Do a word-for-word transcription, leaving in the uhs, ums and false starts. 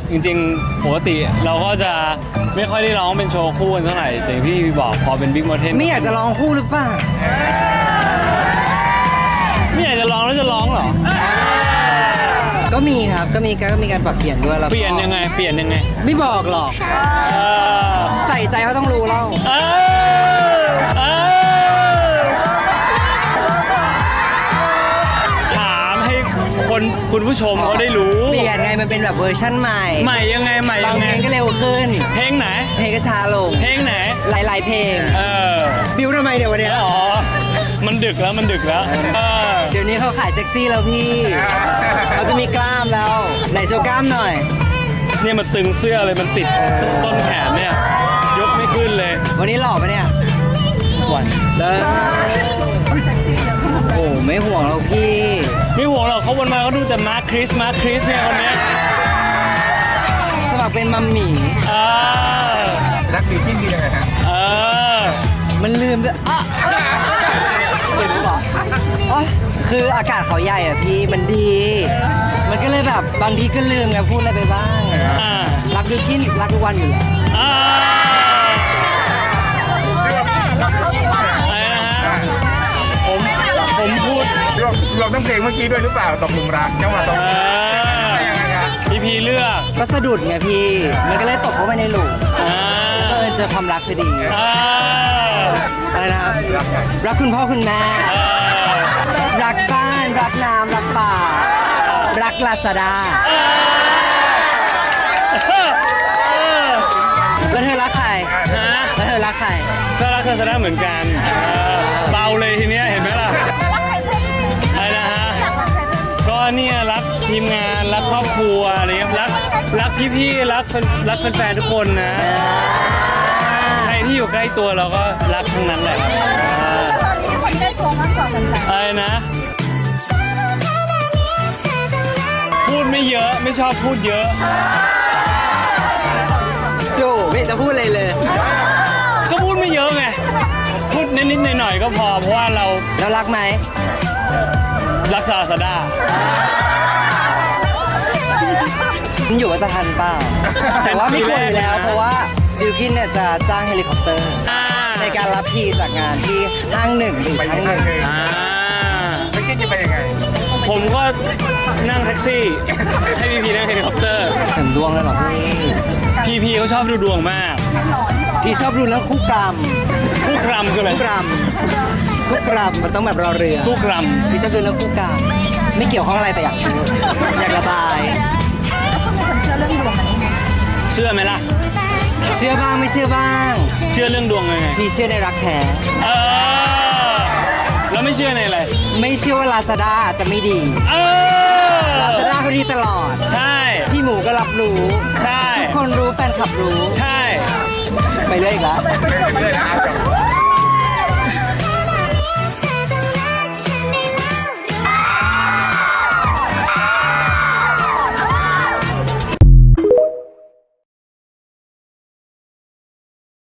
จริงๆปกติเราก็จะไม่ค่อยได้ร้องเป็นโชว์คู่กันเท่าไหร่แต่ที่พี่บอกพอเป็นบิ๊กมอเทนไม่อยากจะร้องคู่หรือเปล่าไม่อยากจะร้องแล้วจะร้องเหรอก็มีครับก็มีก็มีการปรับเปลี่ยนด้วยแล้วเปลี่ยนยังไงเปลี่ยนยังไงไม่บอกหรอกใส่ใจเขาต้องรู้เล่าถามให้คนคุณผู้ชมเขาได้รู้เปลี่ยนไงมันเป็นแบบเวอร์ชั่นใหม่ใหม่ยังไงใหม่ยังไงบางเพลงก็เร็วขึ้นเพลงไหนเพลงก็ช้าลงเพลงไหนหลายๆเพลงเออบิวทำไมเดี๋ยววันนี้อ๋อมันดึกแล้วมันดึกแล้วเดี๋ยวนี้เขาขายเซ็กซี่แล้วพี่เขาจะมีกล้ามแล้วไหนโชว์กล้ามหน่อยเนี่ยมันตึงเสื้อเลยมันติดต้นแขนเนี่ยยกไม่ขึ้นเลยวันนี้หล่อปะเนี่ยวันแล้วโอ้ไม่ห่วงเราพี่ไม่ห่วงหรอกเขาวันมาเขาดูแต่มาร์คคริสมาร์คคริสเนี่ยคนนี้สมัครเป็นมัมหมี่รักดีขึ้นดียังไงฮะเออมันลืมด้วยอ่ะเห็นหรอคืออากาศเขาใหญ่อ่ะพี่มันดี มันก็เลยแบบบางทีก็ลืมไงพูดอะไรไปบ้างรักดูกินรักทุกวันอยู่แล้วอะไรนะฮะผมผมพูดรวมรวมทั้งเพลงเมื่อกี้ด้วยหรือเปล่าตกหลุมรักจังหวะตกพี่พีเลือกก็สะดุดไงพี่มันก็เลยตกเข้าไปในหลุมแล้วก็เออเจอความรักพอดีอะไรนะครับรักคุณพ่อคุณแม่รักบ้านรักน้ำรักป่ารักลาซาด้าแล้วเธอรักใครแล้วเธอรักใครก็รักลาซาด้าเหมือนกันเบาเลยทีเนี้ยเห็นไหมล่ะอะไรนะฮะก็เนี่ยรักทีมงานรักครอบครัวอะไรเงี้ยรักรักพี่ๆรักรักแฟนๆทุกคนนะใครที่อยู่ใกล้ตัวเราก็รักทั้งนั้นแหละคนใกล้ตัวมากกว่ากันอะไรนะพูดไม่เยอะไม่ชอบพูดเยอะโย่ไม่จะพูดอะไรเลยก็พูดไม่เยอะไงพูดนิดๆหน่อยๆก็พอเพราะว่าเราเรารักไหมรักซาซาด้ามันอยู่ว่าจะทันเปล่าแต่ว่าไม่ควรอยู่แล้วเพราะว่าซิลกินเนี่ยจะจ้างเฮลิคอปเตอร์ในการรับพีจากงานที่ห้างหนึ่งถึงห้างหนึ่งไม่คิดจะไปยังไงผมก็นั่งแท็กซี่ให้พีพีนั่งเฮลิคอปเตอร์เต็มดวงเลยเหรอพี่พีพีเขาชอบดูดวงมากพี่ชอบดูแล้วคู่กรรมคู่กรรมคืออะไรคู่กรรมคู่กรรมมันต้องแบบรอเรือคู่กรรมพี่ชอบดูแล้วคู่กรรมไม่เกี่ยวข้องอะไรแต่อยากคิดอยากระบายเชื่อเรื่องดวงไหมเชื่อไหมล่ะเชื่อบ้างไม่เชื่อบ้างเชื่อเรื่องดวงไงพี่เชื่อในรักแท้เออแล้วไม่เชื่อในอะไรไม่เชื่อว่าลาซาด้าจะไม่ดีเออลาซาด้าเขาดีตลอดใช่พี่หมูก็รับรู้ใช่ทุกคนรู้แฟนคลับรู้ใช่ไปเรื่อยอีกแล้วไปเรื่อยนะ